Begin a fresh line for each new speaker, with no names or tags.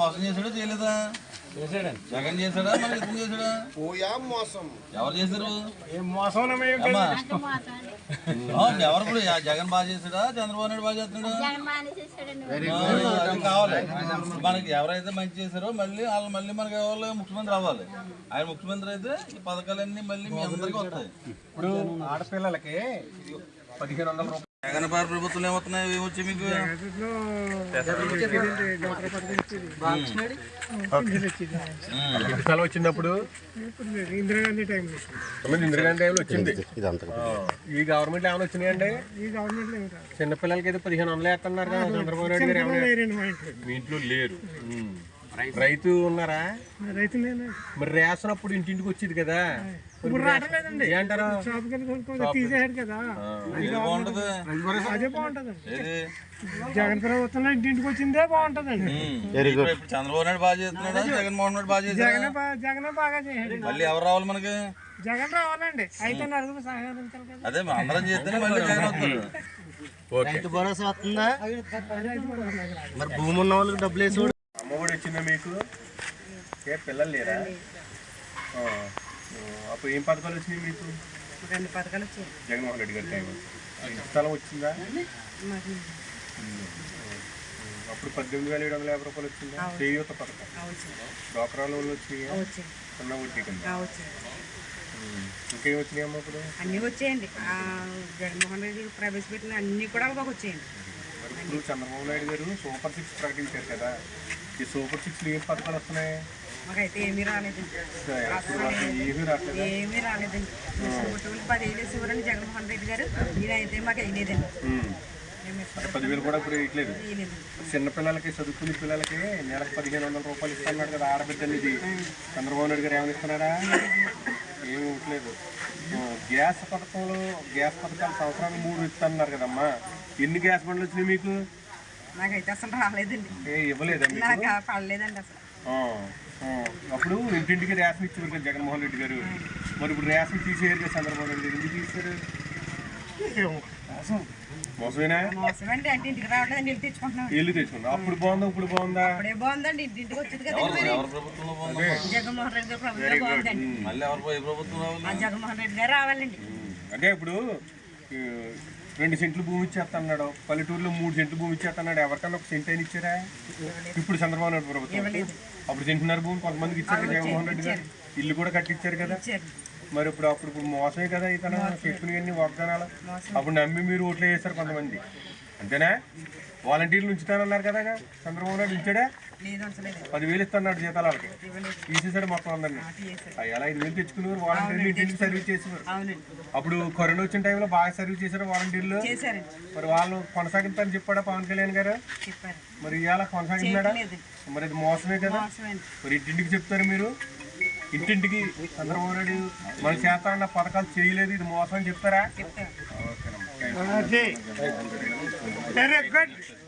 మోసం చేశాడో చేయలేదా? జగన్ చేశాడా మరి ఇతను చేశాడా? ఎవరు చేశారు? ఎవరు ఇప్పుడు జగన్ బాగా చేశాడా చంద్రబాబు నాయుడు బాగా చేస్తున్నాడా? అది కావాలి మనకి. ఎవరైతే మంచి చేశారో మళ్ళీ వాళ్ళు మళ్ళీ మనకి ఎవరు ముఖ్యమంత్రి అవ్వాలి. ఆయన ముఖ్యమంత్రి అయితే ఈ పథకాలన్నీ మళ్ళీ మీ అందరికీ వస్తాయి.
ఇప్పుడు ఆడపిల్లలకి 1500 రూపాయలు
జగన్ పార్టీ ప్రభుత్వం ఏమవుతున్నాయి? ఏమొచ్చాయి మీకు?
వచ్చినప్పుడు ఇందిరాగాంధీ టైంలో వచ్చింది. ఈ గవర్నమెంట్ ఏమైనా వచ్చినాయండి? ఈ గవర్నమెంట్ చిన్నపిల్లలకి అయితే 1500 వేస్తున్నారు కదా చంద్రబాబు నాయుడు గారు. మీ ఇంట్లో లేరు. రైతు ఉన్నారా? రైతు మరి రేషన్ అప్పుడు ఇంటింటికి వచ్చేది కదా, ఏంటారు? తీసేసాడు కదా. అదే బాగుంటది. జగన్ ప్రభుత్వంలో ఇంటింటికి వచ్చిందే బాగుంటదండి.
చంద్రబాబు నాయుడు బాగా చేస్తున్నాడా జగన్మోహన్ రెడ్డి బాగా చేస్తున్నాడా?
జగన్ బాగా చేయాలి.
మళ్ళీ ఎవరు రావాలి మనకి?
జగన్ రావాలండి. అయితే నలుగురు సహకరించాలి కదా.
అదే అందరం చేస్తేనే మళ్ళీ జగన్ వస్తారు.
రైతు భరోసా వస్తుందా? మరి భూమి ఉన్న వాళ్ళకి డబ్బులు వేసి
అమ్మఒడి వచ్చిందా మీకు? ఏ పిల్లలు లేరా? అప్పుడు ఏం పథకాలు వచ్చినాయి మీకు?
2 పథకాలు వచ్చాయి
జగన్మోహన్ రెడ్డి గారి టైం. స్థలం వచ్చిందా? అప్పుడు 18,750 రూపాయలు వచ్చిందా? చేయూత పథకం, డ్వాక్రా లోన్లు వచ్చినాయా? ఉన్న వడ్డీ కింద ఇంకేం వచ్చినాయమ్మా? ఇప్పుడు
అన్నీ వచ్చాయండి. జగన్మోహన్ రెడ్డి ప్రవేశపెట్టిన అన్నీ కూడా బాగా వచ్చాయండి.
మరి ఇప్పుడు చంద్రబాబు నాయుడు గారు సూపర్ 6 ప్రకటించారు కదా, ఈ సూపర్ 6 ఏం పథకాలు వస్తున్నాయి?
మాకైతే ఏమీ రాలేదండి. ఏమీ రాలేదండి. 10,000 ఇవ్వరండి జగన్మోహన్ రెడ్డి గారు. ఇదైతే మాకు వేయలేదండి.
10,000 కూడా ఇప్పుడు వేయట్లేదు. చిన్నపిల్లలకి చదువుకునే పిల్లలకి నెలకు 1500 రూపాయలు ఇస్తున్నాడు కదా ఆడబిడ్డలు. ఇది చంద్రబాబు నాయుడు గారు ఏమైనా ఇస్తున్నాడా? ఏమి ఇవ్వట్లేదు. గ్యాస్ పథకాలు సంవత్సరానికి 3 ఇస్తున్నారు కదమ్మా. ఎన్ని గ్యాస్ బండ్లు వచ్చినాయి మీకు?
నాకైతే అసలు రాలేదండి.
ఇవ్వలేదండి.
నాకు పడలేదండి అసలు.
అప్పుడు ఇంటింటికి రేషన్ ఇచ్చేవారు కదా జగన్మోహన్ రెడ్డి గారు. మరి ఇప్పుడు రేషన్ తీసేయారు కదా చంద్రబాబు నాయుడు గారు. ఎందుకు తీసారు? మోసమేనా?
మోసమండి. అంటే ఇంటికి రావట్లేదండి. ఇల్లు తెచ్చుకుంటున్నాం.
ఇల్లు తెచ్చుకున్నాం. అప్పుడు బాగుందా ఇప్పుడు బాగుందా?
అప్పుడే బాగుందండి. ఇంటింటికి వచ్చేది కదా జగన్మోహన్ రెడ్డి గారు ప్రభుత్వం బాగుందండి. జగన్మోహన్ రెడ్డి గారు రావాలండి.
అంటే ఇప్పుడు 2 సెంట్లు భూమి ఇచ్చేస్తున్నాడు. పల్లెటూరులో 3 సెంట్లు భూమి ఇచ్చేస్తున్నాడు. ఎవరికన్నా 1 సెంట్ అయినా ఇచ్చారా? ఇప్పుడు చంద్రబాబు నాయుడు ప్రభుత్వం అప్పుడు 1.5 భూమి కొంతమందికి ఇచ్చారు జగన్మోహన్ రెడ్డి గారు. ఇల్లు కూడా కట్టించారు కదా. మరి ఇప్పుడు మోసమే కదా ఇతను చెప్పుకుని వాగ్దానాలు. అప్పుడు నమ్మి మీరు ఓట్లు వేశారు కొంతమంది, అంతేనా? వాలంటీర్లు ఉంచుతానన్నారు కదా చంద్రబాబు నాయుడు. ఉంచాడా? 10,000 ఇస్తున్నాడు జీతాలు వాళ్ళకి. తీసేసాడు మొత్తం అందరినీ. అలా 5,000 తెచ్చుకునేవారు వాలంటీర్లు. ఇంటింటికి సర్వీస్ చేసేవారు. అప్పుడు కరోనా వచ్చిన టైంలో బాగా సర్వీస్ చేశారు వాలంటీర్లు. మరి వాళ్ళు కొనసాగిస్తారని చెప్పాడా పవన్ కళ్యాణ్ గారు? మరి ఇవాళ కొనసాగిస్తున్నాడా? మరి అది మోసమే కదా. మరి ఇంటింటికి చెప్తారు మీరు. ఇంటింటికి చంద్రబాబు నాయుడు మన చేస్తారన్న పథకాలు చేయలేదు, ఇది మోసం అని చెప్తారా? ఓకేనమ్మా.